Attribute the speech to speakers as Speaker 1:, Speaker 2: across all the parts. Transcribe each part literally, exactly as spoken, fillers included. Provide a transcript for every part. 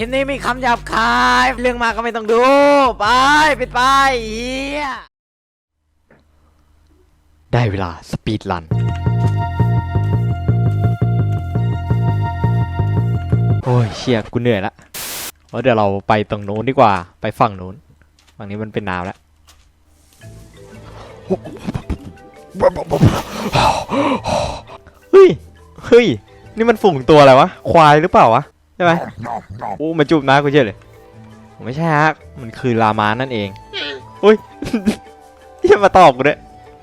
Speaker 1: ลิปนี้มีคำหยาบคายเรื่องมากก็ไม่ต้องดูไปปิดไปเฮียได้เวลาสปีดรันโอ้ยเชี่ยกูเหนื่อยละว่าเดี๋ยวเราไปตรงโน้นดีกว่าไปฝั่งโน้นฝั่งนี้มันเป็นน้ำแล้วเฮ้ยเฮ้ยนี่มันฝูงตัวอะไรวะควายหรือเปล่าวะใช่ไหมโอ้มันจูบน้ากูเชื่อเลยไม่ใช่ฮะมันคือลามานั่นเองอุ้ยอย่ามาตอบกูด้วย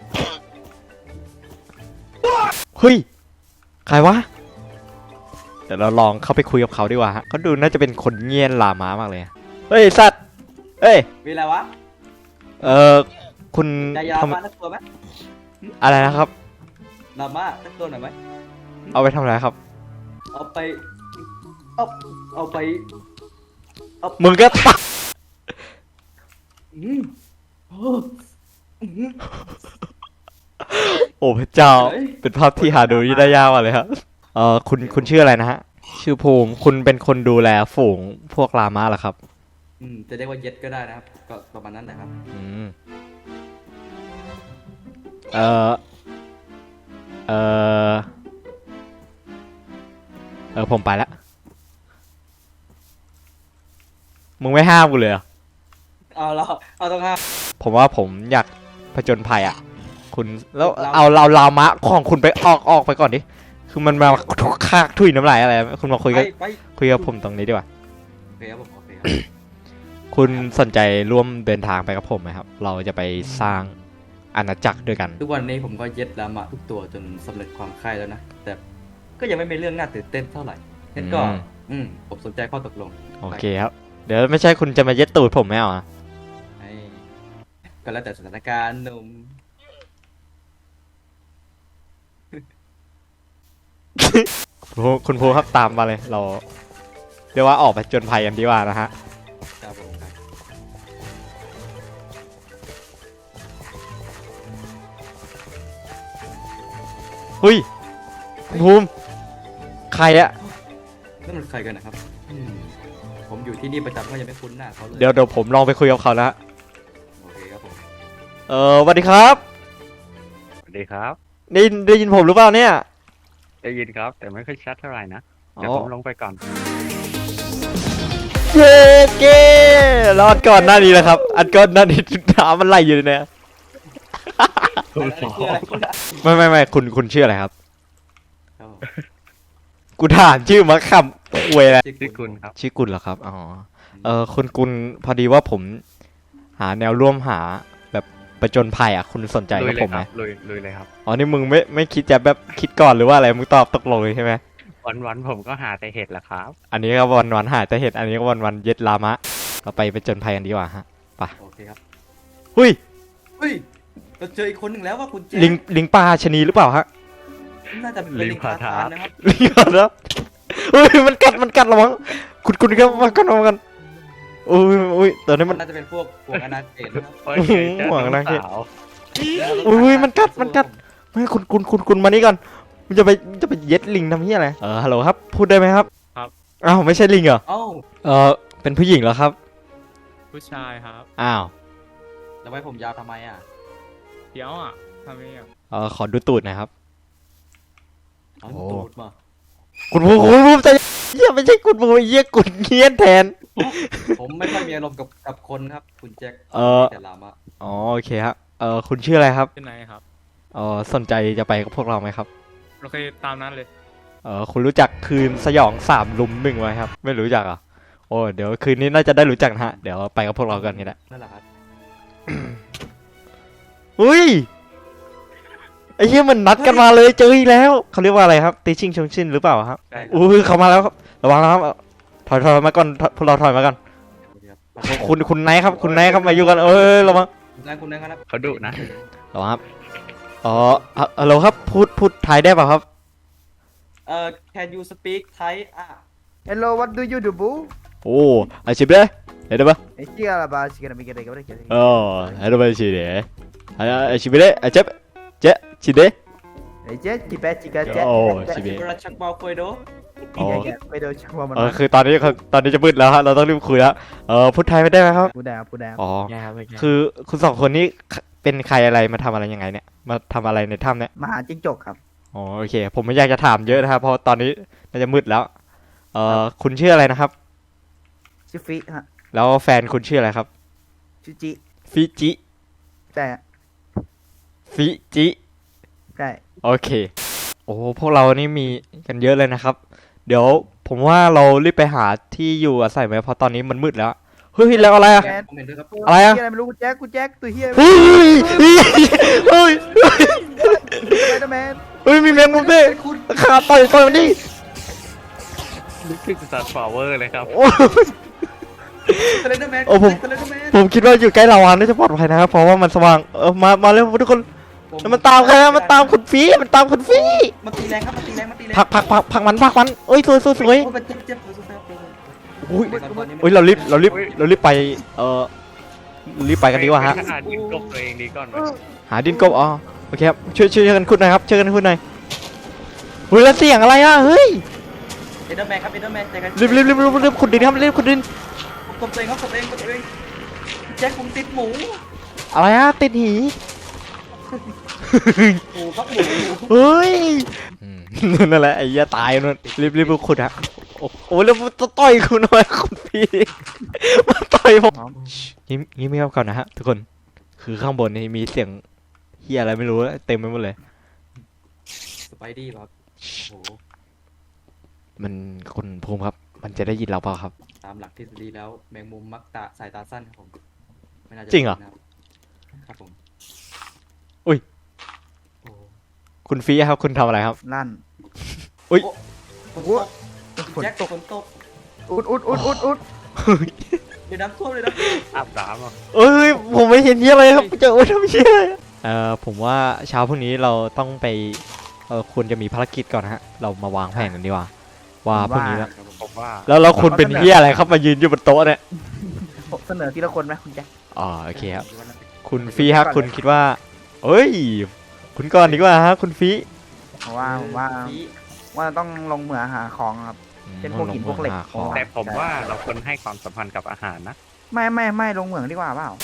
Speaker 1: เฮ้ยใครวะเดี๋ยวเราลองเข้าไปคุยกับเขาดีกว่าฮะเขาดูน่าจะเป็นคนเงียบลามามากเลยเฮ้ยสัตว์เฮ้ย
Speaker 2: มีอะไรวะ
Speaker 1: เออคุณ
Speaker 2: จะยามาสักตัวไหม
Speaker 1: อะไรนะครับ
Speaker 2: ลามาสักตัวหน่อยไหม
Speaker 1: เอาไปทำอะไรครับ
Speaker 2: เอาไปเอาเอาไปเอา
Speaker 1: มึงก็ตัดโอ้พระเจ้าเป็นภาพที่หาดูได้ยากมากเลยครับเออคุณคุณชื่ออะไรนะฮะชื่อภูมิคุณเป็นคนดูแลฝูงพวกลามาเหรอครับ
Speaker 2: อืมจะเรียกว่าเย็ดก็ได้นะครับก็ประมาณนั้นนะครับ
Speaker 1: อืมเออเออเออผมไปแล้วมึงไม่ห้ามกูเลยเหรอ
Speaker 2: เอาเราเอาต้องห้าม
Speaker 1: ผมว่าผมอยากผจญภัยอ่ะคุณแล้วเอาเราลามะของคุณไปออกออกไปก่อนดิคือมันมาคากถุยน้ำลายอะไรคุณมาคุยกับคุยกับผมตรงนี้ดีกว่า
Speaker 2: โอเคครับผมโอเคครับ
Speaker 1: คุณสนใจร่วมเดินทางไปกับผมไหมครับเราจะไปสร้างอาณาจักรด้วยกัน
Speaker 2: ทุกวันนี้ผมก็เย็ดลามะทุกตัวจนสำเร็จความใคร่แล้วนะแต่ก็ยังไม่มีเรื่องน่าตื่นเต้นเท่าไหร่งั้นก็อืมผมสนใจข้อตกลง
Speaker 1: โอเคครับเดี๋ยวไม่ใช่คุณจะมาเย็ดตูดผมไม่เอาอ่ะ
Speaker 2: ก็แล้วแต่สถานการณ์หนุ่ม
Speaker 1: คุณภูครับตามมาเลยเราเรียกว่าออกไปจนภัยกันดีกว่านะฮะ
Speaker 2: ครับผม
Speaker 1: เฮ้ยคุณภูมิใครอะ
Speaker 2: นั่นมันใครกันนะครับผมอยู่ที่นี่ประจำก็ยังไม่คุ้นหน้าเขาเลย
Speaker 1: เดี๋ยวเดี๋ยวผมลองไปคุยกับเขานะ
Speaker 2: โอเคครับผม
Speaker 1: เออสวัสดีครับ
Speaker 3: สวัสดีครับ
Speaker 1: ได้ได้ยินผมหรือเปล่าเนี่ย
Speaker 3: ได้ยินครับแต่ไม่ค่อยชัดเท่าไหร่นะเดี๋ยวผมลงไปก่อน
Speaker 1: เย้เก้รอดก่อนหน้านี้แหละครับอันก่อนหน้านี้น้ำมันไหลอยู่เนี่ยไม่ไม่ไม่คุณคุณชื่ออะไรครับกูถามชื่อมาคำเวร
Speaker 3: ชื่อกุลครับ
Speaker 1: ชื่อกุลเหรอครับอ๋อเออคุณกุลพอดีว่าผมหาแนวร่วมหาแบบประจนภัยอ่ะคุณสนใจกับผมไหม
Speaker 3: ลุยลุยเลยครับ
Speaker 1: อ๋อนี่มึงไม่ไม่คิดจะแบบคิดก่อนหรือว่าอะไรมึงตอบตกลงเลยใช่ไหม
Speaker 3: วันวันผมก็หาแต่เห็ดแหละครับ
Speaker 1: อันนี้ก็วันวันหาแต่เห็ดอันนี้ก็วันวันเย็ดลามะเราไปประจนภัยกันดีกว่าฮะไป
Speaker 2: โอเคครับ
Speaker 1: หุ้ย
Speaker 2: หุ้ยเราเจออีกคนหนึ่งแล้วว่าคุณเจ
Speaker 1: ลิงลิงปลาชนีหรือเปล่าฮะ
Speaker 2: น่าจะเป็นลิงพาทานนะครับ
Speaker 1: ลิงพาทานเฮ้ยมันกัดมันกัดเรามั้งคุณคุณครับมากันมากันโอ้ยโอ้ยตอนนี้มัน
Speaker 2: น่าจะเป็นพวกพวกอนาเขตนะครับ
Speaker 1: หวังนะเขตโอ้ยมันกัดมันกัดไม่คุณคุณคุณคุณมานี่ก่อนมันจะไปจะไปเย็ดลิงทำเหี้ยอะไรเออฮัลโหลครับพูดได้ไหมครับ
Speaker 3: ครับ
Speaker 1: อ้าวไม่ใช่ลิงเหรอ
Speaker 2: อ้าว
Speaker 1: เออเป็นผู้หญิงเหรอครับ
Speaker 3: ผู้ชายครับ
Speaker 1: อ้าว
Speaker 2: แล้วไว้ผมยาวทำไมอ่ะ
Speaker 3: เดี๋ยวอ่ะทำไมอ่ะ
Speaker 1: เออขอดูตูดหน่อยครับ
Speaker 2: โอ้ตูดมา
Speaker 1: คุณภูคุณภูใจเยี่ยไม่ใช่คุณภูเยี่ยกุนเงี้ยนแทน
Speaker 2: ผมไม่ค่อยมีอารมณ์กับกับคนครับคุณแจ็ค
Speaker 1: เออ
Speaker 2: แต่ลามะ
Speaker 1: อ๋อโอเคครับเออคุณชื่ออะไรครับ
Speaker 3: ชื่อไหนครับ
Speaker 1: เออสนใจจะไปกับพวกเราไหมครับ
Speaker 3: โอเคตามนั้นเลย
Speaker 1: เออคุณรู้จักคืนสยองสามลุมหนึ่งไหมครับไม่รู้จักอ่ะโอ้เดี๋ยวคืนนี้น่าจะได้รู้จักนะฮะเดี๋ยวไปกับพวกเรากันนี่แหละ
Speaker 2: นั่นแหละครับ
Speaker 1: อุ้ยไอ้เหี้ยมันนัดกันมาเลยเจออีกแล้วเขาเรียกว่าอะไรครับตีชิงชงชินหรือเปล่าครับอุ้ยเขามาแล้วครับระวังนะครับถอยถอยมาก่อนพวกเราถอยมาก่อนคุณคุณไนท์ครับคุณไนท์ครับมาอยู่กันเออระวัง
Speaker 2: คุณไนท์คุณไนท์ครับ
Speaker 3: เขาดุนะ
Speaker 1: ระวังครับอ๋อฮัลโหลครับพูดพูดไทยได้ป่ะครับ
Speaker 2: เอ่อ can you speak Thai อ่ะ
Speaker 4: Hello what do you do boo
Speaker 1: โอ้อาชีพเลยเห็นป่ะ
Speaker 4: ไอ้เจี๊ยบบ้าชิคกี้พายไม่กินอะไรกันเลย
Speaker 1: อ๋อเห็นป่ะชีเด๋อาชีพเลยอาเจ็บเจ๊ชีเด๋
Speaker 4: ไอ้เจ๊จิแปะจิกะเจ๊
Speaker 1: โอ้ชิเบะ
Speaker 2: ราชักบอลโคยโด
Speaker 1: อ๋อ
Speaker 4: แกไปโดนชัวมัน
Speaker 1: เออคือตอนนี้คือตอนนี้จะมืดแล้วฮะเราต้องรีบคุยแล้วเออพูดไทยไม่ได้ไหมครับ
Speaker 4: พูดได้ครับพูดได้ครับ
Speaker 1: อ๋อคือคุณสองคนนี้เป็นใครอะไรมาทำอะไรยังไงเนี่ยมาทำอะไรในถ้ำเนี่ย
Speaker 4: มาหาจิ้งจกครับ
Speaker 1: อ๋อโอเค ผมไม่อยากจะถามเยอะนะครับเพราะตอนนี้น่าจะมืดแล้วเออคุณชื่ออะไรนะครับ
Speaker 4: ชื่อฟิฮะ
Speaker 1: แล้วแฟนคุณชื่ออะไรครับ
Speaker 4: ชื่อจิ
Speaker 1: ฟิจิ
Speaker 4: ใช่
Speaker 1: ฟิจิ
Speaker 4: ใช่
Speaker 1: โอเคโอ้พวกเรานี่มีกันเยอะเลยนะครับ เดี๋ยวผมว่าเรารีบไปหาที่อยู่อาศัยไหมเพราะตอนนี้มันมืดแล้วเฮ้ยแล้วอะไรอะ
Speaker 2: ผมเห็นด้วยครับ
Speaker 1: อะไรอะ
Speaker 4: เหี้ยอะไรไม่รู้กูแจ็คกูแจ็คตัวเฮีย
Speaker 1: เฮ้ยเฮ้ยเฮ้ย
Speaker 4: ไปเดอร์แมน
Speaker 1: เฮ้ยมีแมงมุมด้วยขาต่อยต่อยมันดิ
Speaker 3: นึกถึงสตาร์ฟลาวเวอร์เลยครับ
Speaker 1: โอ้
Speaker 2: สเลนเดอร์แมน
Speaker 1: โอ้ผม
Speaker 2: สเลนเดอร์แมน
Speaker 1: ผมคิดว่าอยู่ใกล้ลาวาน่าจะปลอดภัยนะครับเพราะว่ามันสว่างเออมามาเร็วทุกคนแล้วมันตามใครอะมันตามคุณฟีมันตามคุณฟี
Speaker 2: มันตีแรงครับมันตีแรงมันตีแรง
Speaker 1: พักพักพักพักมันพักมันเอ้ยสวยสวยสวย
Speaker 2: โอ้มันเจ็บเจ็บเจ็บเจ็บ
Speaker 1: อุ้ยอุ้ยเรารีบเรารีบเรารีบไปเออรีบไปกันดีกว่าฮะ
Speaker 3: ไปหาดินกบตัวเองดีก่อนไหม
Speaker 1: หาดินกบอ๋อโอเคครับช่วยช่วยกันขุดหน่อยครับช่วยกันขุดหน่อยเฮ้ยแล้วเสียงอะไรอ่ะเฮ้ย
Speaker 2: เอเดอร์แมนครับเอเดอร์แมนใจกัน
Speaker 1: รีบรีบรีบรีบรีบขุดดินครับรีบขุดดิน
Speaker 2: กดตัวเองครับกดตัวเองกดตัวเองแจ็คผมติดหมู
Speaker 1: อะไรอ่ะติดหี
Speaker 2: หมูครับหมู
Speaker 1: เฮ้ยนั่นแหละไอ้เหี้ยตายนั่นรีบรีบรีบขุดฮะโอ้โหแล้วมันต่อยคุณหน่อยคุณพี่มาต่อยผมยิ้มยิ้มไม่เข้าก่อนนะฮะทุกคนคือข้างบนนี่มีเสียงเฮียอะไรไม่รู้เต็มไปหมดเลย
Speaker 2: สไปดี้ครับโอ้
Speaker 1: มันคุณภูมิครับ มันจะได้ยินเราเปล่าครับ
Speaker 2: ตามหลักทฤษฎีแล้วแมงมุมมักตาสายตาสั้นครับผมไม่น่าจะ
Speaker 1: จริงเหรอ
Speaker 2: ครับผม
Speaker 1: อุ้ย
Speaker 2: โอ้
Speaker 1: คุณฟีครับคุณทำอะไรครับ
Speaker 4: ลั่น
Speaker 1: อุ้ย
Speaker 2: โอ้โห
Speaker 4: ฝน
Speaker 2: แจ็ค
Speaker 4: ตก
Speaker 2: ฝนตก
Speaker 4: อุดอุดอุดอุดอุด
Speaker 2: เดี๋ยวน้ำท่วมเลยนะ
Speaker 3: อาบน้ำอ่ะ
Speaker 1: เอ้ยผมไม่เห็นเฮียอะไรครับเจอโอ้ยทำเฮียอะไรเอ่อผมว่าเช้าพรุ่งนี้เราต้องไปเออควรจะมีภารกิจก่อนนะฮะเรามาวางแผนกันดีกว่าว่าพรุ่งนี้แล้ว
Speaker 3: ผมว่า
Speaker 1: แล้วเราควรเป็นเฮียอะไรครับมายืนอยู่บนโต๊ะเนี่ย
Speaker 4: เสนอทีละคนไหมคุณแจ็ค
Speaker 1: อ๋อโอเคครับคุณฟีครับคุณคิดว่าเอ้ย คุณก่อนดีกว่าฮะคุณฟี
Speaker 4: เพราะว่าผมว่าว่าต้องลงเหมืองหาของครับ เป็นพวกหินพวกเหล็ก
Speaker 1: าของ
Speaker 3: แต่ผมว่าเราควรให้ความสัมพันธ์กับอาหารนะ
Speaker 4: ไม่ไม่ไม่ลงเหมืองดีกว่าเปล่า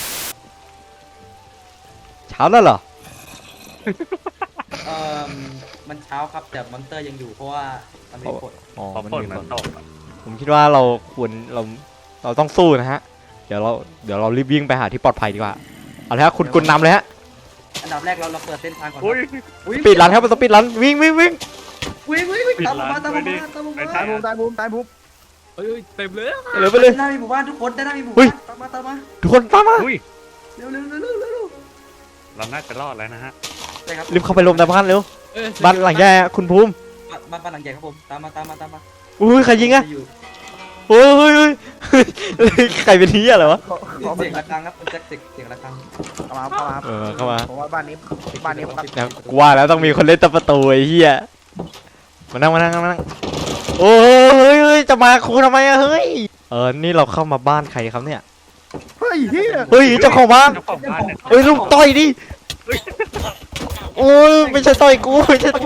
Speaker 1: เช้าแล้วเหรอ
Speaker 2: เอ่อมันเช้าครับแต่มอนเตอร์ยังอยู่เพราะว่ามันมีกฎ
Speaker 1: อ๋อ
Speaker 3: พอ
Speaker 1: มัน
Speaker 3: ฝน
Speaker 1: มี
Speaker 3: มัน
Speaker 1: คน
Speaker 3: ตกอะ
Speaker 1: ผมคิดว่าเราควรเราเราต้องสู้นะฮะ เดี๋ยวเราเดี๋ยวเรารีบวิ่งไปหาที่ปลอดภัยดีกว่า เอาละครับคุณกุลนำเลยฮะ
Speaker 2: อันดับแรกเราเราเปิดเส้นทางก่อน
Speaker 3: อุ้ย
Speaker 2: อุ๊ย
Speaker 1: ปิดรันครับมันต้องปิดรันวิ่งวิ่งวิ่ง
Speaker 2: วิ่งวิ่งวิ่ง
Speaker 3: ปิด
Speaker 2: ตามผม
Speaker 3: ร้าน
Speaker 2: มาตามผม
Speaker 3: ไว้ดิ
Speaker 2: มาตามผม
Speaker 3: ไม่
Speaker 2: มา
Speaker 3: ใช่
Speaker 4: ตายภูมิตายภูมิตายภูมิ
Speaker 3: เอ้ยเต็มเลย
Speaker 1: เร็วไปเลย
Speaker 2: ด้านหน้ามีหมู่บ้านทุกคนด้านหน้ามีหมู่
Speaker 1: เฮ้ย
Speaker 2: บ้านตามมาตามมา
Speaker 1: ทุกคนตามมา
Speaker 3: อุ้ย
Speaker 2: เร็วเร็วเร็วเร็วเร็วเร็ว
Speaker 3: เราน่าจะรอดแล้วนะฮะ
Speaker 2: ใช่ครับ
Speaker 1: รีบเข้าไปลมในบ้านเร็วบ้านหลังใหญ่อะคุณภูมิ
Speaker 2: บ้านบ้านหลังใหญ่ครับผมตามมาตามมาตามมา
Speaker 1: อุ้ยใครยิงอะ
Speaker 2: อยู่
Speaker 1: โอ้ยเฮ้ยเฮ้ยเฮ้ยใครเป็นเฮียอะไรวะ
Speaker 4: ขอขอ
Speaker 2: เสียงระฆังครับคุณแจ็คเสียงเสียงระฆัง
Speaker 4: เข้ามาเข้ามา
Speaker 1: เออเข้ามา
Speaker 4: ผมว่าบ้านนี้บ้านนี้ครับ
Speaker 1: นะกูว่าแล้วต้องมีคนเล่นตะประตูไอ้เฮียมานั่งมานั่งมานั่งโอ้ยเฮ้ยเฮ้ยจะมาคูทำไมอะเฮ้ยเออนี่เราเข้ามาบ้านใครครับเนี่ย
Speaker 4: เฮ้ยเฮีย
Speaker 1: เฮ้ยเจ้าของบ้าน
Speaker 3: เจ้าของบ้านเนี่ย
Speaker 1: เอ้ยลูกต่อยดิโอ้ยไม่ใช่ต่อยกูไม่ใช่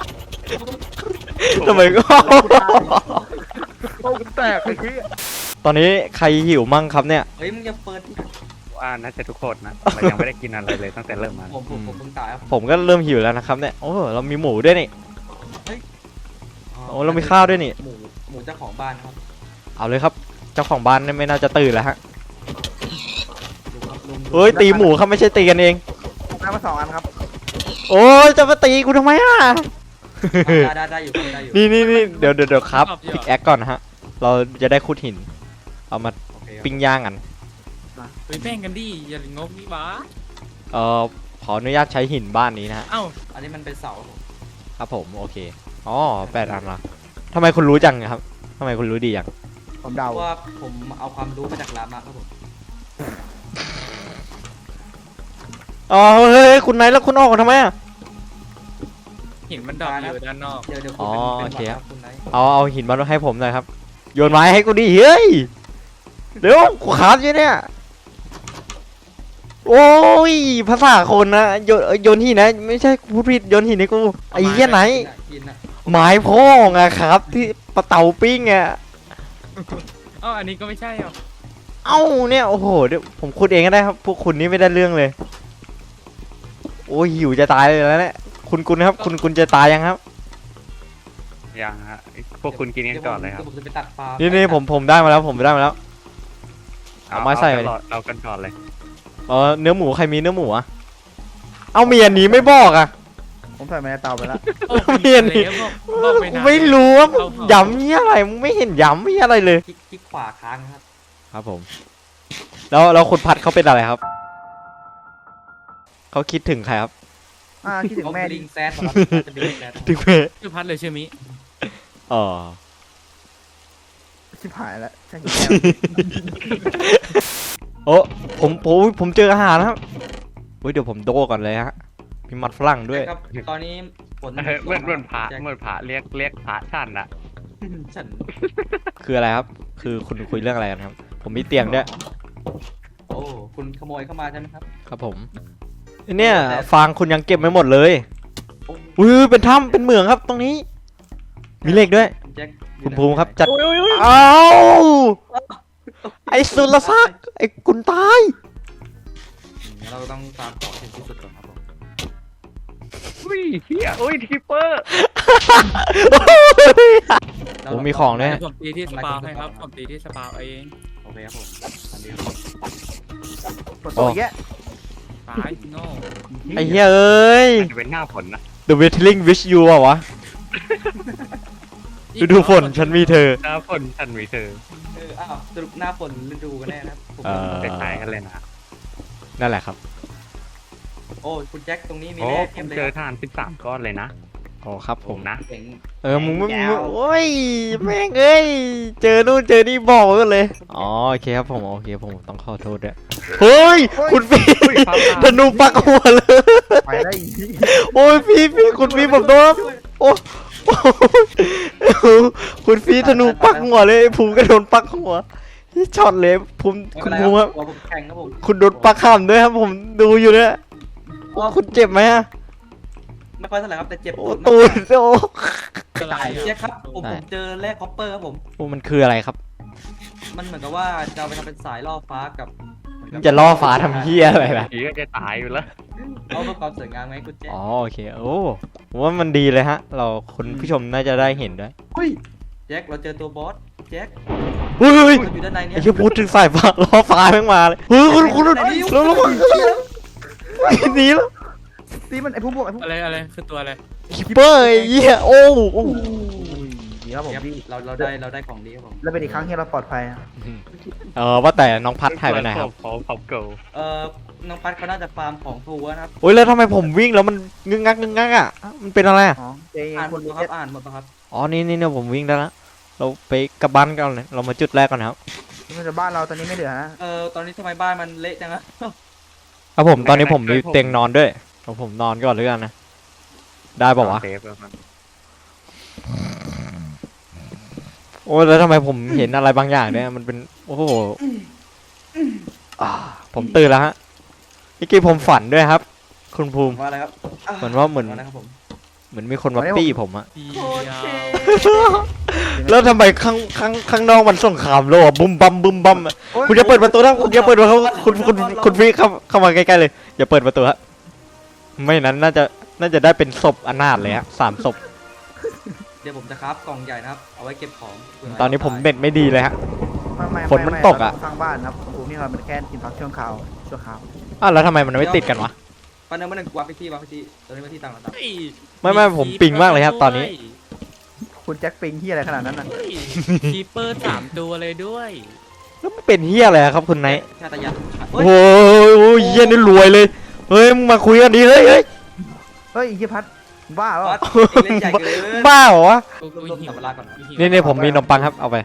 Speaker 1: ทำไมก็
Speaker 4: โอ้แตกเลยเฮีย
Speaker 1: ตอนนี้ใครหิวมั่งครับเนี่ย
Speaker 2: เฮ้ยมึงอย่าเปิด
Speaker 3: ว่าน่าจะทุกคนนะเรายังไม่ได้กินอะไรเลยตั้งแต่เริ่มมา
Speaker 2: ผมผมผมเพิ่งตายครับ
Speaker 1: ผมก็เริ่มหิวแล้วนะครับเนี่ยโอ้เรามีหมูด้วยนี่ โอ้เรามีข้าวด้วยนี่
Speaker 2: หมูหมูเจ้าของบ้านครับ
Speaker 1: เอาเลยครับเจ้าของบ้านเนี่ยไม่น่าจะตื่นแล้วฮะ
Speaker 2: ดูครับลุง
Speaker 1: เอ้ยตีหมูครับไม่ใช่ตีกันเอง
Speaker 4: ได้มาสองอันครับ
Speaker 1: โอ้ยจะมาตีกูทำไมอ่ะ
Speaker 2: ได้ได้ได้อยู่ครับได้อยู่
Speaker 1: นี่นี่นี่เดี๋ยวเดี๋ยวเดี๋ยวครับพิกแอคก่อนนะฮะเราจะได้ขุดหิน เอามา
Speaker 2: โอเคครับ
Speaker 1: ปิ้งย่างกัน
Speaker 5: ไปแบ่งกันดิอย่างงกนี่หวะ
Speaker 1: เอ่อขออนุญาตใช้หินบ้านนี้นะฮะ
Speaker 5: เอ้า
Speaker 2: อันนี้มันเป็นเสาครับผม
Speaker 1: ครับผมโอเคอ๋อแปดอันละทำไมคุณรู้จังครับทำไมคุณรู้ดีอย่าง
Speaker 4: ผม
Speaker 2: เพ
Speaker 4: เดา
Speaker 2: ราะว่าผมเอาความรู้มาจากรามาครับผม
Speaker 1: อ๋อเฮ้ยเฮ้ยคุณไหนแล้วคุณออกมาทำไมอ่ะ
Speaker 5: เห็นมันดอกอยู่ด้านนอก
Speaker 2: เดี๋ยวเดี๋ยวคุณเป็น
Speaker 1: อ๋อ
Speaker 2: เป็น
Speaker 1: โอเค
Speaker 2: หวัด
Speaker 1: ครับ
Speaker 2: ครับคุณไนท์
Speaker 1: เอาเอาหินมาให้ผมหน่อยครับ โยนไม้ให้กูดิเฮ้ยเดี๋ยวกูขาดอยู่เนี่ยโอ้ยภาษาคนนะโยนโยนหินนะไม่ใช่พูดผิดโยนหินให้กูไอ้เหี้ยไหน
Speaker 2: กินอะ
Speaker 1: ไม้พ่องอะครับที่ปะเตาปิ้งอะ
Speaker 5: เอ้าอันนี้ก็ไม่ใช่หรอ
Speaker 1: เอ้าเนี่ยโอ้โหเดี๋ยวผมขุดเองก็ได้ครับพวกคุณนี่ไม่ได้เรื่องเลยโอ้ยหิวจะตายเลยแล้วเนี่ยคุณคุณครับคุณคุณจะตายยังครับ
Speaker 3: ยังฮะพวกคุณกินกันก่อนเลยครับ
Speaker 2: ดี๋วผมจะไปตัดปลา
Speaker 1: นี่นี่ผมผมได้มาแล้วผมได้มาแล้ว เอาไม้ใส่
Speaker 3: เอากันเอากันก่อนเลย
Speaker 1: เออเนื้อหมูใครมีเนื้อหมูอะเอาเมียนี้ไม่บอกอะ
Speaker 4: ผมใส่มาในเตาไปแล้ว
Speaker 5: โอ้
Speaker 1: ไม่เห็นนี่
Speaker 5: บอกบอกไปนาน
Speaker 1: ไม่รู้ว่า
Speaker 5: เอาเผา
Speaker 1: ย้ำนี่อะไรมึงไม่เห็นย้ำนี่อะไรเลย
Speaker 2: คลิกคลิกขวาค้างนะครับ
Speaker 1: ครับผม แล้วแล้วคุณพัดเขาเป็นอะไรครับเขาคิดถึงใครครับ
Speaker 4: อ่าคิดถึง
Speaker 2: เขา
Speaker 4: แม่
Speaker 2: ลิ
Speaker 4: ดิ
Speaker 2: งแซดมาจะเป็นลิงแซด
Speaker 1: ถึงเม
Speaker 5: ชื่อพัดเลยชื่อมิ
Speaker 1: อ๋อ
Speaker 4: ชิบหายแล้วใช่
Speaker 1: โอ้ผมผมผมเจออาหารนะครับเฮ้ยเดี๋ยวผมโดก่อนเลยฮะมีมัดฝรั่งด้วย
Speaker 2: ครับตอนนี้ฝน
Speaker 3: เออเหมือนเหมือนพระ
Speaker 2: แจ็ค
Speaker 3: เหมือนพระเรียกเรียกพระท่านอะ
Speaker 2: ฉัน
Speaker 1: คืออะไรครับ คือคุณคุยเรื่องอะไรกันครับ ผมมีเตียงด้วย
Speaker 2: โอ้คุณขโมยเข้ามาใช่ไหมครับ
Speaker 1: ครับผมเนี่ยฟางคุณยังเก็บไม่หมดเลย
Speaker 2: โอ้
Speaker 1: อุ้ยเป็นถ้ำเป็นเหมืองครับตรงนี้ มีเหล็กด้วย
Speaker 2: แจ็ค
Speaker 1: คุณภูมิครับจัด
Speaker 3: โอ้ยโอ้ยโอ้ย
Speaker 1: อ้าวไอ้สุรศักดิ์ไอ้กุนตาย
Speaker 2: งั้นเราต้องตามขอถึงที่สุดก่อนครับผม
Speaker 3: อุ้ยเฮียอุ้ยทีเปอร์
Speaker 1: ผมมีของด้วย
Speaker 5: เดี๋ยวผมตีที่สปาวให้ครับผมตีที่สปาวเอง
Speaker 2: โอเคครับผมอันนี้ครับผม
Speaker 4: ปวดตัวแยะ
Speaker 5: ตายโง่
Speaker 1: ไอ้เหี้ยเอ้ย
Speaker 3: จะเป็นหน้าฝนนะ
Speaker 1: The Whittling Wish You อะวะฤดูฝนฉันมีเธอ
Speaker 3: หน้าฝนฉันมีเธอ
Speaker 2: เอออ้าวสรุปหน้าฝนฤดูกันแน่นะครับผม
Speaker 1: เออ
Speaker 3: จะตายกันเลยนะ
Speaker 1: นั่นแหละครับ
Speaker 2: โอ้คุณแจ็คตรงนี้มี
Speaker 3: โอ้
Speaker 2: แร่
Speaker 3: ผ
Speaker 2: เทียม
Speaker 3: ม
Speaker 2: เลย
Speaker 3: เจอ
Speaker 2: ครับ
Speaker 3: ทานสิบสามก้อนเลยนะ
Speaker 1: อ๋อครับผม
Speaker 3: นะ
Speaker 2: เจ๋ง
Speaker 1: เออมึงไม่
Speaker 2: แจ๋
Speaker 1: มึ
Speaker 2: ว
Speaker 1: งโอ้ยแม่งเอ้ยเจอนู่นเจอนี่บอกไว้ก่อนเลยอ๋อโอเคครับผมโอเคผมต้องขอโทษด้วยเฮ้ยคุณพี่
Speaker 3: อุ้ยฟ้าผ่า
Speaker 1: ธนูปักหัวเลย
Speaker 4: ไปได้อีก
Speaker 1: โอ้ยพี่พี่คุณพี่ผมโดนครับโอ้โอ้คุณพี่ธนูปักหัวเลยไอ้ภูมิก็โดนปักหัวที่ช็อตเลยภูมิ
Speaker 2: ไม่
Speaker 1: คุ
Speaker 2: เป็น
Speaker 1: ณ
Speaker 2: ไร
Speaker 1: ภูมิครับ
Speaker 2: หัวผมแข็งครับผม
Speaker 1: คุณโดนปักข้ามด้วยครับผมดูอยู่เนี่ยโอ้คุณเจ็บไหมฮะ
Speaker 2: ไม่ค่อยเท่าไหร่ครับแต่เจ็บ
Speaker 1: โอ้
Speaker 2: ตูด
Speaker 1: ตูดโอ้
Speaker 5: อะไร
Speaker 2: แจ็
Speaker 5: อ่ะ
Speaker 2: คครับผม
Speaker 1: ได้
Speaker 2: ผมเจอแร่คอปเปอร์ครับผม
Speaker 1: โอ้มันคืออะไรครับ
Speaker 2: มันเหมือนกับว่าจะเอาไปทำเป็นสายล่อฟ้ากับ
Speaker 1: มันจะล่อฟ้าทำเหี้ยอะไรล่ะ
Speaker 3: ผีก็จะตายอยู่แล้ว
Speaker 2: เอาเพื่อความสวยงามไงคุณแจ็ค
Speaker 1: อ๋อโอเคโอ้ผมว่ามันดีเลยฮะ เราคุณผู้ชมน่าจะได้เห็นด้วย
Speaker 2: อุ้ยแจ็คเราเจอตัวบอสแจ็ค
Speaker 1: เฮ้ยเฮ้ย
Speaker 2: มันอยู่ด้านในเนี้
Speaker 1: ไอ้เชี่ยพูดถึงสายฟ้าล้อฟ้าแม่งมาเลยเฮ้ยคุณคุณ
Speaker 2: ด้านในนี้
Speaker 1: แล้วแล้วมันหนีแล้ว
Speaker 4: ตีมันไอ้พุ่มพวกไอ้พุ่ม
Speaker 5: อะไรอะไรคือตัวอะไร
Speaker 1: คิปเปอร์ไอ้เหี้ยโอ้โอ้
Speaker 4: ดีครับผม
Speaker 2: ครับ
Speaker 4: พี่
Speaker 2: เราเราได้เราได้ของดีครับผม
Speaker 4: แล้วเป็นอีกครั้งที่เราปลอดภัยอะ
Speaker 1: เออว่าแต่น้องพัดหายไปไหนครับ
Speaker 3: เขาเขาเกิล
Speaker 2: เอ่อน้องพัดเขาน่าจะฟาร์มของทัวร์นะครับ
Speaker 1: โอ้ยแล้วทำไมผมวิ่งแล้วมันงึกงักงึกงักอ่ะมันเป็นอะไรอ่ะ
Speaker 4: อ๋อเจ
Speaker 2: อ่านห
Speaker 4: ค
Speaker 2: ม
Speaker 4: น
Speaker 2: ด
Speaker 4: รู้
Speaker 2: ปะค
Speaker 4: เจ็
Speaker 2: รับอ่านหมดปะครับ
Speaker 1: อ๋อนี่นี่เนี่ยผมวิ่งได้แล้วเราไปกลับบ้านกันเลยเรามาจุดแรกก่อนนะครับ
Speaker 4: มันจะบ้านเราตอนนี้ไม่เหลือนะ
Speaker 2: เอ่อตอนนี้ทำไมบ้านมันเละจังอะ
Speaker 1: ครับผมตอนนี้ผมมีเตียงนอนด้วยเอาผมนอนก่อนเลยกันนะได้ป่าวะ
Speaker 3: เซฟแล้วมัน
Speaker 1: โอ้ยแล้วทำไมผมเห็นอะไรบางอย่างเนี่ยมันเป็นโอ้โหอ่าผมตื่นแล้วฮะเมื่อกี้ผมฝันด้วยครับ คุณภูมิ
Speaker 2: ว่าอะไรครับ
Speaker 1: เหมือนว่าเหมือน
Speaker 2: อะไรครับผม
Speaker 1: เหมือนมีคนมาปี้ผมอะ
Speaker 5: ดี
Speaker 2: โคตร
Speaker 5: ยา
Speaker 2: เท่
Speaker 5: ว
Speaker 1: แล้วทำไมข้างข้างข้างนอกมันสงครามโลกอะบุ้มบัมบุ้มบัมอะคุณจะเปิดประตูนะคุณอย่าเปิดประตูคุณคุณคุณคุณพี่เข้าเข้ามาใกล้ๆเลยอย่าเปิดประตูฮะไม่นั้นน่าจะน่าจะได้เป็นศพอนาถเลยฮะสามศพ
Speaker 2: เดี๋ยวผมจะครับกล่องใหญ่นะครับ เอาไว้เก็บของเผื่
Speaker 1: ตอนนี้ผมเน็ตไม่ดีเลยฮะ
Speaker 4: ไม่ไม่
Speaker 1: ฝนมันตกอะ
Speaker 4: เราสร้างบ้านครับภูมินี่เราเป็นแค่กินพักช่วงข่าวชั่วคราว
Speaker 1: อ้าวแล้วทำไมมันไม่ติดกันวะ
Speaker 2: ปันหนึ่งปันหนึ่งวางไปที่วางไปที่ตอนนี้มาที่ต่างต่าง
Speaker 5: เฮ้ย
Speaker 1: ไม่ไม่ผมปิงมากเลยครับตอนนี้
Speaker 4: คุณแจ็คปิงที่อะไรขนาดนั้นน่ะ
Speaker 5: เฮ้ยคีเปอร์สามตัวเลยด้วย
Speaker 1: แล้วมันเป็นเฮียอะไรอะครับคุณไนท์
Speaker 2: ชาตยาน
Speaker 1: โอ้โหโอ้ยเฮียนี่รวยเลยเฮ้ยมึงมาคุยกันดีเฮ้ยเฮ้ย
Speaker 4: เฮ้ยอีกพัดบ้า
Speaker 2: บ
Speaker 4: เป
Speaker 2: อ
Speaker 4: ล่า
Speaker 2: สเล่นใหญ่เกิน
Speaker 1: บ้าเหรอวะ
Speaker 5: กู
Speaker 2: รวบรวม
Speaker 5: หิว
Speaker 2: สัมภาระก่อน
Speaker 5: หิว
Speaker 1: นี่นี่ผมมีขนมปังครับเอาไป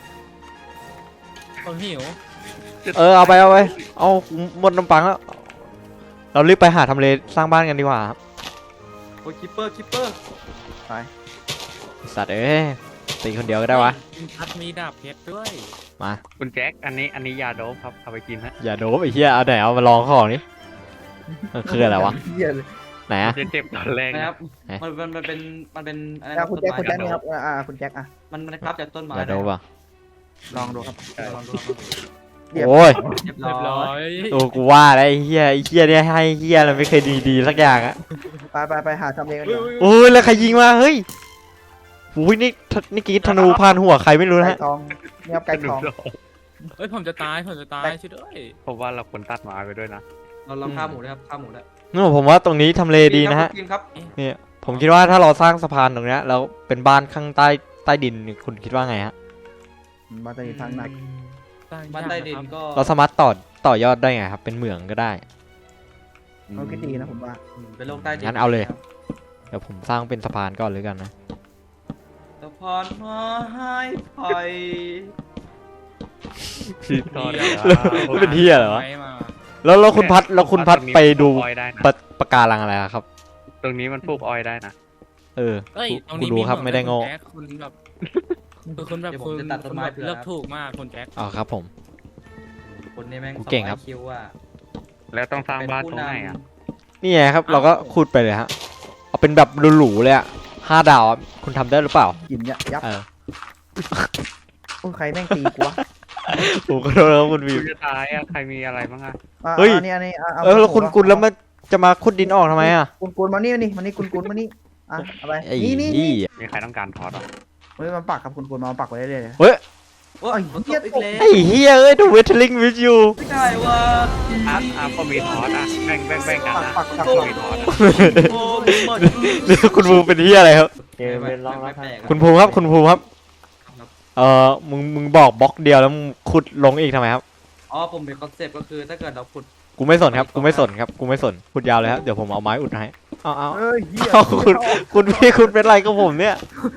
Speaker 5: ผมหิว
Speaker 1: เออเอาไปเอาไปเอาหมดขนมปังแล้วเรารีบไปหาทำเลสร้างบ้านกันดีกว่าครับ
Speaker 2: โอ้ยคิปเปอร์คิปเปอร์
Speaker 1: สัตว์เอ้ยตีคนเดียวก็ได้วะ
Speaker 5: คุณพัดมีดาบเพชรด้วย
Speaker 1: มา
Speaker 3: คุณแจ็คอันนี้อันนี้ยาโดบครับเอาไปกินฮะ
Speaker 1: อย่าโดบไอ้เหี้ยเอาไหนเอามาลองของนี่มันคืออะไรวะ
Speaker 4: เหี้ยเลย
Speaker 1: ไหนอะ
Speaker 3: จะเจ็บตอนแรก
Speaker 2: นะ
Speaker 3: นะครับ
Speaker 1: ไหน
Speaker 2: มันมันมันเป็นมันเป็นอะไร
Speaker 4: อ่ะ
Speaker 2: นะ
Speaker 4: คุณ
Speaker 2: ต้น
Speaker 4: แจ็คคุณ
Speaker 2: ไม้
Speaker 4: แจ็คนี่ครับอ่าอ่าคุณแจ็คอ่ะ
Speaker 2: มันมันครับจากต้นไม้
Speaker 1: อย่าโดบอ่ะ
Speaker 4: ลองดูครับ
Speaker 2: ลองดูครับ
Speaker 4: เรียบ
Speaker 1: โอ้ย
Speaker 2: เรียบ
Speaker 5: เรียบ
Speaker 2: ร้
Speaker 5: ร้
Speaker 2: อ
Speaker 5: อย ย
Speaker 1: โอ้กูว่าแล้วไอ้เหี้ยไอ้เหี้ยเนี่ยให้เหี้ยอะไรไม่เคยดีดีๆสักอย่างอะ
Speaker 4: ไปไปไปหาทำเลกันดีกว่า
Speaker 1: โอ้ยแล้วใครยิงมาเฮ้ยอุ้ยนี่ทนี่กรีดธนูพานหัวใครไม่รู้นะ
Speaker 4: ไก่
Speaker 1: ฮะ
Speaker 4: ทองนี่ครับไก่ทอง
Speaker 5: เฮ้ยผมจะตายผมจะตายช่วยด้วย
Speaker 3: ผมว่าเราควรตัดไม้ไปด้วยนะ
Speaker 2: เราลองฆ่าหมูด้วยครับฆ่าหมูด้วย
Speaker 1: นี่ผมว่าตรงนี้ทำเลดีนะฮะ
Speaker 2: กินครับ
Speaker 1: เนี่ยผมคิดว่าถ้าเราสร้างสะพานตรงเนี้ยแล้วเป็นบ้านข้างใต้ใต้ดินนี่คุณคิดว่าไงฮะ
Speaker 4: มาจะมีทางไหน
Speaker 2: บ้านใต้ดินก็
Speaker 1: เราสามารถต่อต่อยอดได้ไงครับเป็นเหมืองก็ได้
Speaker 4: มันก็ดีนะผมว่า
Speaker 2: อืมเป็นโลกใต้ดิน
Speaker 1: งั้นเอาเลย
Speaker 2: ครับ
Speaker 1: เดี๋ยวผมสร้างเป็นสะพานก่อนเลยกันนะ
Speaker 2: สะพานไม้ไผ่
Speaker 3: พี่ตอน
Speaker 1: แล้วเป็นเหี้ยเหรอวะ
Speaker 5: ไม้มา
Speaker 1: แล้วแล้วคุณพัดแล้วคุณพัดไปดู
Speaker 3: ออยได้นะ
Speaker 1: ปะปะการังอะไรอะครับ
Speaker 3: ตรงนี้มันปลูกออยได้นะ
Speaker 1: เออ
Speaker 5: เอ้ยตรง
Speaker 1: กู
Speaker 5: นี้
Speaker 1: ดูครับ
Speaker 5: เหอง
Speaker 1: ไม่ได้โง่
Speaker 5: คุณแจ็คคุณแบบคือคุณแบบ
Speaker 2: เดี๋ยวผ
Speaker 5: คุ
Speaker 2: ม
Speaker 5: ณ
Speaker 2: จะตัดต้นไม้
Speaker 5: คุณแบบ
Speaker 2: เผื่อ
Speaker 5: เลือก
Speaker 2: ครับ
Speaker 5: ถูกมากคุณแจ็ค
Speaker 1: อ๋อครับผม
Speaker 2: คนนี้แม่ง
Speaker 1: กูเก่งครับ
Speaker 2: สอไอคิวอ่ะ
Speaker 3: แล้วต้องสร้าง
Speaker 2: เป็น
Speaker 3: บ้าน
Speaker 2: ผู้
Speaker 3: ตรงไหนอ่ะ
Speaker 2: นำ
Speaker 1: นี่ไงครับ เราก็ขุดไปเลยฮะเอาเป็นแบบหรูๆเลยอะห้าดาวอะคุณทำได้หรือเปล่า
Speaker 4: กินเนี่ยยับ
Speaker 1: เออ
Speaker 4: โอ้ยใครแม่งตีกูวะ
Speaker 1: ผมก็โดนแล้วคุณวิ
Speaker 3: คุ
Speaker 1: ว
Speaker 3: ณจะตายอ่ะใครมีอะไรบ้างอ่ะ
Speaker 4: อ่ะ
Speaker 1: เฮ้ย
Speaker 4: อันนี้อันนี้ะา
Speaker 1: เออแล้วคุณกุลแล้วมันจะมาขุดดินออกทำไมอะ
Speaker 4: คุณกุลมานี่มานี่มานี่คุณกุลมานี่อ่ะเอาไป
Speaker 1: ไอ้
Speaker 4: นี่นี่
Speaker 1: นี่
Speaker 3: มีใครต้องการทอดอ่ะ
Speaker 4: เฮ้ยมาปักครับคุณกุลมาปักไว้เรื่อยๆเลย
Speaker 1: เฮ้ย
Speaker 2: โอ้ย
Speaker 4: ไอ้
Speaker 2: ฝนต
Speaker 4: เหี้ย
Speaker 2: กอีกแล้ว
Speaker 1: ไอ้เฮียเอ้ยดูเวทลิงวิดยู
Speaker 2: ไม่ได้ว่ะ
Speaker 3: อาร์ตอาร์ตก็มีทอดอ่ะแบ่งแบ่งแบ่งกัน
Speaker 4: ปัก
Speaker 3: นะ
Speaker 4: ปักปัก
Speaker 3: ก็
Speaker 4: ปัก
Speaker 3: มีทอดอ่ะ
Speaker 2: โอ้หมด
Speaker 1: นี่คุณภูมิเป็นเฮียอะไรครับ
Speaker 2: เกมเป็นร้องแล้ว
Speaker 1: คุณภูมิครับคุณภูมิครับเออมึงมึงบอกบล็อกเดียวแล้วมึงขุดลงอีกทำไมครับ
Speaker 2: อ๋อผมเป็นคอนเซ็ปต์ก็คือถ้าเกิดเราขุด
Speaker 1: กูไม่สนครับกูไม่สนครับกูไม่สนขุดยาวเลยครับเดี๋ยวผมเอาไม้อุดให้เอาเอา
Speaker 4: เอ้ยเหี้ย
Speaker 1: เอาคุณคุณพี่คุณเป็นไรกับผมเนี่ย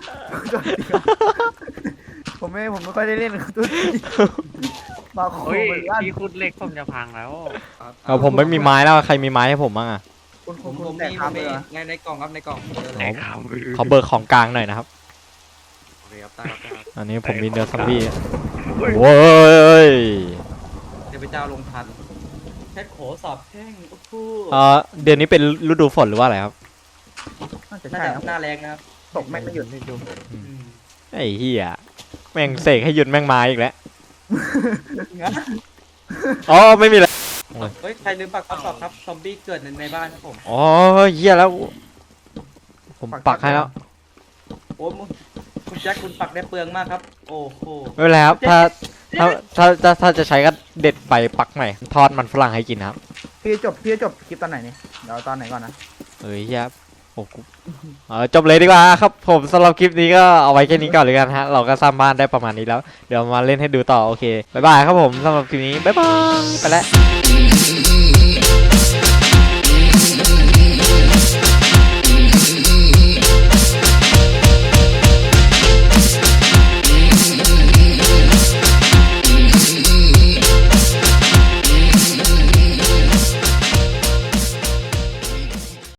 Speaker 4: ผมไม่ผมไม่ค่อยได้เล่นกับตุ้ยมาโค
Speaker 3: เฮ้ย
Speaker 4: มันลั่น
Speaker 3: ที่คุดเหล็กผมจะพังแล้ว
Speaker 1: เอาผมไม่มีไม้แล้วใครมีไม้ให้ผมบ้างอะ
Speaker 4: คุณ
Speaker 2: ผ
Speaker 4: คุณ
Speaker 2: ม
Speaker 4: คุ
Speaker 2: ผ
Speaker 4: ณ
Speaker 2: ม
Speaker 4: แตก
Speaker 2: มี
Speaker 4: ค
Speaker 2: ผ
Speaker 4: รั
Speaker 2: ม
Speaker 4: เล
Speaker 2: มี
Speaker 4: ยเหรอ
Speaker 2: ในในกล่องครับในกล่องเจอ
Speaker 3: ไหน
Speaker 2: เลย
Speaker 3: ครับ
Speaker 1: ขอเบิกของกลางหน่อยนะครับ
Speaker 2: โอเคครับตายครับตายครับ
Speaker 1: อันนี้ผมมีเนื้อซอมบี้โว้ย
Speaker 2: เดี๋ยวไปเจ้าลงทันแค่โขสอบแข้งโอ้โห
Speaker 1: เออเดือนนี้เป็นฤดูฝนหรือว่าอะไรครับ
Speaker 4: น่าจะ
Speaker 2: น่า
Speaker 4: ใช่
Speaker 2: จะ
Speaker 4: ครับ
Speaker 2: หน้าแรงนะครับ
Speaker 4: ตกแม่งไม่หยุด
Speaker 2: อืม
Speaker 1: ไอ้เหี้ยแม่งเสกให้หยุดแม่งมาอีกแล้วอ๋อไม่มีแล้ว
Speaker 2: เฮ้ยใครลืมปักข้อสอบครับซอมบี้เกิดในในบ้านครับผม
Speaker 1: อ๋อเหี้ยแล้ว ผมปักให้แล้ว
Speaker 2: โอ้มึงคุณแจ็คคุณปักได้เปลืองมากครับ โอ้โห
Speaker 1: ไม่เป็นไรครับถ้าถ้าถ้าถ้าถ้าจะใช้ก็เด็ดไปปักใหม่ทอดมันฝรั่งให้กินครับ
Speaker 4: พี่จบพี่จบคลิปตอนไหนเนี่ยเดี๋ยวตอนไหนก่อนนะ
Speaker 1: เอ้ยเหี้ยโอ้กูเออจบเลยดีกว่าครับผมสำหรับคลิปนี้ก็เอาไว้แค่นี้ก่อนเลยกันฮะเราก็สร้างบ้านได้ประมาณนี้แล้วเดี๋ยวมาเล่นให้ดูต่อโอเคบ๊ายบายครับผมสำหรับคลิปนี้บ๊ายบายไปแล้ว